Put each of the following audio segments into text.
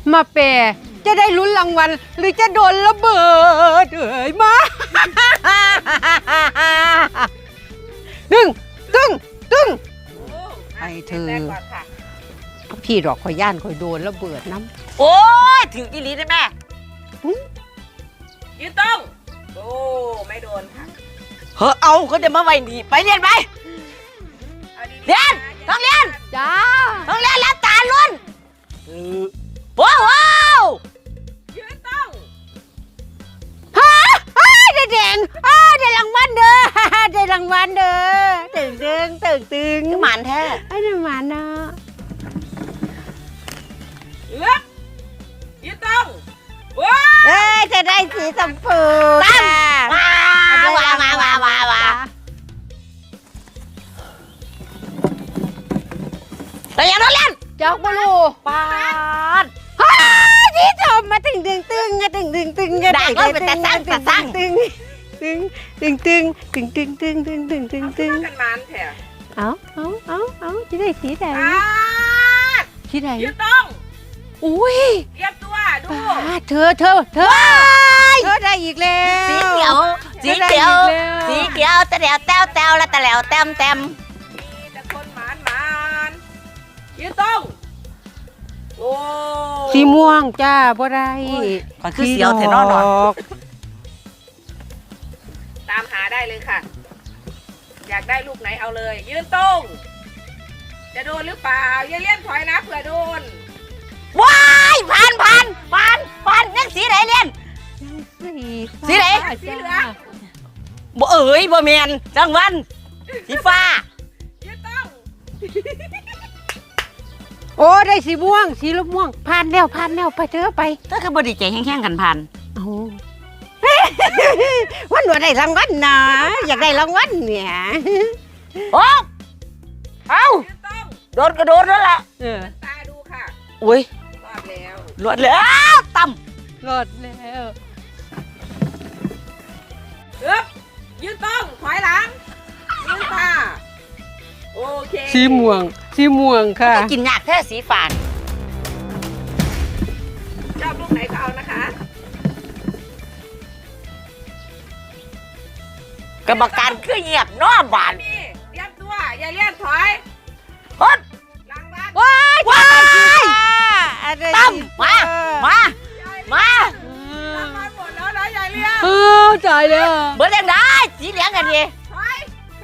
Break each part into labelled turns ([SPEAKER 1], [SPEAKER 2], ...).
[SPEAKER 1] มาแปรจะได้ลุ้นรางวัลหรือจะโดนระเบิดเอ่ยมาตึ้งตึ้งตึ้งไอ้เธอพี่ดอกข่อยย่านข่อยโดนระเบิดน้ำ
[SPEAKER 2] โอ้ยถึงอีหลีได้แม่ยืนตรงโอ้ไม่โดนค่ะเฮ้อเอาเขาจะมาไว้นี่ไปเรียนไปเรียนต้องเรียน
[SPEAKER 1] จ้า
[SPEAKER 2] ต้องเรียนแล้วตาลุ้นว้าวยืนตรง
[SPEAKER 1] ได้แดงได้รางวัลเด้อได้รางวัลเด้อตึงตึงตึงตึง
[SPEAKER 2] หมันแท้
[SPEAKER 1] ไอ้นี่หมาเนาะ
[SPEAKER 2] ยืนตรงว้า
[SPEAKER 1] เอ้ยจะได้สีชมพูค่ะ
[SPEAKER 2] ว้แต่ยังต้องเรียน
[SPEAKER 1] จอกบลู
[SPEAKER 2] ปาด
[SPEAKER 1] ที่ชมมาตึงตึงตึงตึงตึงตึง
[SPEAKER 2] ด่าก็เป็นแต่สร้างแต่สร้าง
[SPEAKER 1] ตึงตึงตึงตึงตึงตึงตึงตึงตึงตึงตึง
[SPEAKER 2] กันมันแถว
[SPEAKER 1] เอาจะได้สีแดงสีแดง
[SPEAKER 2] ยืนตรง
[SPEAKER 1] อุ้ย
[SPEAKER 2] เรียบตัวดู
[SPEAKER 1] เธอได้อีกแล้ว
[SPEAKER 2] สีเขียวสีเขียวสีเขียวตะแหลวแต้วแต้วและตะแหลวแต้มแต้มมีแต่คนหมันยืนตรงโอ้
[SPEAKER 1] สีม่วงจ้าบ่ได้
[SPEAKER 2] ก่อนคือเสียวเทนอนหรอตามหาได้เลยค่ะ อยากได้ลูกไหนเอาเลยยืนตรงจะโดนหรือเปล่าอย่าเลี่ยนถอยนะเผื่อโดนว้ายผ่านนั่นสีไหนเลี่ยน สีไหน
[SPEAKER 1] สีเหลือง
[SPEAKER 2] บ่เอ๋ยบ่แมนจังวันสีฟ้ายืนตรง
[SPEAKER 1] โอ้ได้สีม่วงสีม่วงผ่านแล้วไปเถอะไป
[SPEAKER 2] ถ้าคือบดีใจแห้งๆกันผ่าน
[SPEAKER 1] เอาวันหนูได้รางวัลนะอยากได้รางวัลเนี่ย
[SPEAKER 2] โอ้เอาโดนกระโดดแล้วล่ะตาดูค่ะอุ้ยรอดแล้วต่ำ
[SPEAKER 1] รอดแล้ว
[SPEAKER 2] ยืนตรงถอยหลังยืนตาโอเค
[SPEAKER 1] สีม่วงค่ะ
[SPEAKER 2] กินยากแค่สีฝานชอบลูกไหนก็เอานะคะกรรมการคือเงียบน้อบานเตรียมตัวอย่าเลี่ยนถอยฮดหลังบ้านว้ายตั้มมาหลังบ้านหมดแล้วนะอย่าเลี่ยน
[SPEAKER 1] จ่ายแล้ว
[SPEAKER 2] เบิร์ดยังได้สีเหลืองกันดิถอย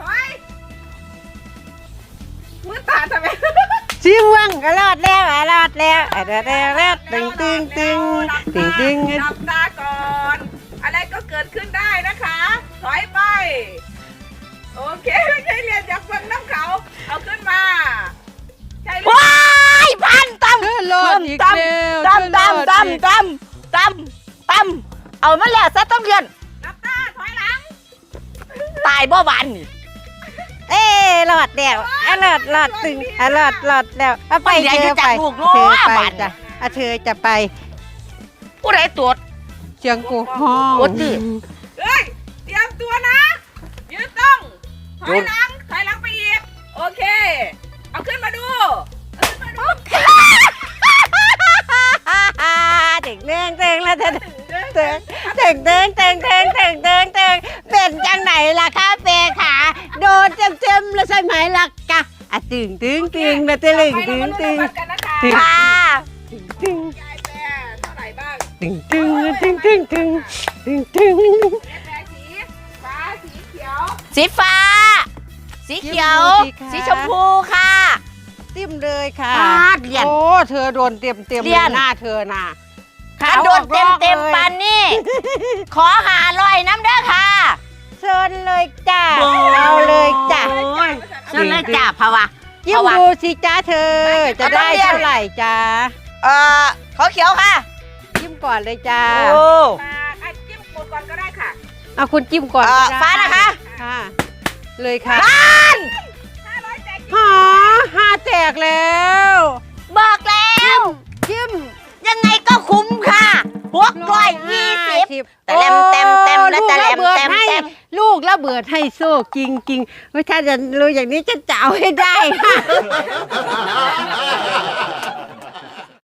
[SPEAKER 2] มือตาทำไม
[SPEAKER 1] สีม่วงก็รอดแล้วตึง
[SPEAKER 2] จับตาก่อนอะไรก็เกิดขึ้นได้นะคะถอยไปโอเคไม่ใช่เรียนจากฟังน้ำเขาเอาขึ้นมาใช่ว้ายพันตั้ม
[SPEAKER 1] รอดอีกแล้ว
[SPEAKER 2] ตั้มเอามาแล้วซะต้องเรียนนับตาถอยหลังตายบ่หวานนี่
[SPEAKER 1] รอดแล้วรอดตึงรอดแล้วไปเธอไปจ้ะเธอจะไป
[SPEAKER 2] ผู้ใดตรวจ
[SPEAKER 1] เชียงกูห้อง
[SPEAKER 2] เฮ้ยเตรียมตัวนะยืนต้องถอยหลังไปอีกโอเคเอาขึ้นมาดู
[SPEAKER 1] เด็กเด้งแล้วเด็กเด้งเป็นจังไหนล่ะคะเฟขาโดนเต็มแล้วใช่ไหมล่ะกะตึงแล้วตึง
[SPEAKER 2] ค่ะ
[SPEAKER 1] ตึง
[SPEAKER 2] ยายแปรเท่าไหร่บ้าง
[SPEAKER 1] ตึง
[SPEAKER 2] แปรสีฟ้าสีเขียวสีฟ้าสีเขียวสีชมพูค่ะ
[SPEAKER 1] ติ้มเลยค่ะ
[SPEAKER 2] เรียน
[SPEAKER 1] โอ้เธอโดนเต็มหน้าเธอน่ะ
[SPEAKER 2] ขาโดนเต็มปานนี่ขอหาลอยน้ำเด้อค่ะ
[SPEAKER 1] เชิญเลยจ้าเอาเลยจ้า
[SPEAKER 2] เชิญเลยจ้าภาวะ
[SPEAKER 1] ยิ้มดูสิจ้าเธอจะได้เท่าไหร่จ้า
[SPEAKER 2] ขอเขียวค่ะ
[SPEAKER 1] จิ้มก่อนเลยจ้า
[SPEAKER 2] จิ้มก่อนก็ได้ค่ะ
[SPEAKER 1] เอาคุณจิ้มก่อน
[SPEAKER 2] ฟ้านะคะ
[SPEAKER 1] ค่ะเลยค่ะ500แตกแล้ว
[SPEAKER 2] บอกแล้ว
[SPEAKER 1] จิ้ม
[SPEAKER 2] ยังไงก็คุ้มค่ะ620แต่เต็มและแต่เต็ม
[SPEAKER 1] ลูกระเบิดให้โซ่จริงถ้าจะรู้อย่างนี้จะเจ้าให้ได้ค่ะ